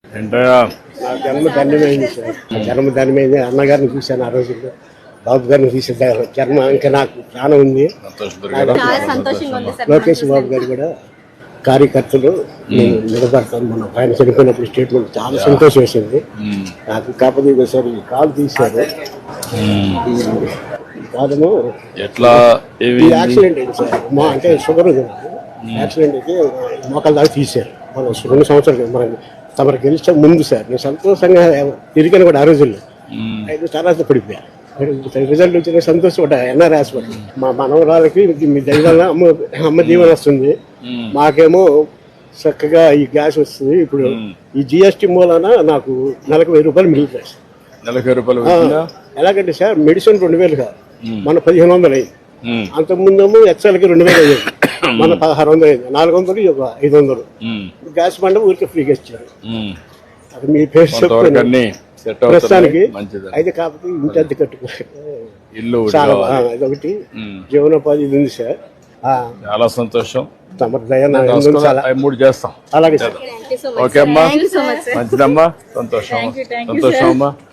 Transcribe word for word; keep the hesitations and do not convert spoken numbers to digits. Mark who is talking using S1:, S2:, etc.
S1: ఏంటయ్యా
S2: నా జన్మ ధన్యమైంది సార్. నా జన్మ ధన్యమైంది. అన్నగారిని చూశాను ఆ రోజుల్లో, బాబు గారిని చూసే జన్మ ఇంకా నాకు ప్రాణం ఉంది.
S3: చాలా సంతోషంగా ఉంది సార్.
S2: లోకేష్ బాబు గారు కూడా కార్యకర్తలు నేను నిలబడతాను. మన ఆయన చనిపోయినప్పుడు స్టేట్మెంట్ చాలా సంతోషం వేసింది నాకు. కాకపోతే సార్ ఈ కాలు తీశారు. ఈ కాలము
S1: ఎట్లా
S2: ఈ యాక్సిడెంట్ అయింది సార్. మా అంటే షుగర్ ఉంది నాకు. యాక్సిడెంట్ అయితే మోకాల దాకా తీశారు. మనం రెండు సంవత్సరాలు మనం తమరు గెలిచే ముందు సార్ నేను సంతోషంగా తిరిగాను కూడా ఆ రోజుల్లో. ఐదు తర్వాత పడిపోయా. రిజల్ట్ వచ్చిన సంతోషం కూడా ఎన్ఆర్ హాస్పిటల్. మా మనవరాలకి మీ దైవాల అమ్మ అమ్మ దీవెన వస్తుంది, మాకేమో చక్కగా ఈ గ్యాస్ వస్తుంది. ఇప్పుడు ఈ జిఎస్టీ మూలాన నాకు నెలకు వెయ్యి రూపాయలు మిగులుతాయి సార్.
S1: నెలకి రూపాయలు
S2: ఎలాగంటే సార్ మెడిసిన్ రెండు వేలు కాదు, మన పదిహేను వందలు అయింది. అంతకుముందేమో ఎక్సెల్కి రెండు వేలు అయ్యేది, మన పదహారు వందలు అయింది. నాలుగు వందలు ఒక ఐదు వందలు గ్యాస్ బండ ఊరికి ఫ్రీగా ఇచ్చారు. అది మీ పేరు చెప్తాను ప్రస్తుతానికి. అయితే కాకపోతే ఇంటి అద్దె కట్టుకో
S1: ఇల్లు
S2: చాలా అదొకటి జీవనోపాధి ఇది ఉంది సార్.
S1: చాలా సంతోషం.
S2: తమరి దయ నా
S1: మూడు చేస్తాం.
S2: అలాగే సార్.
S1: ఓకే అమ్మా, మంచిదమ్మా, సంతోషం సంతోషం అమ్మా.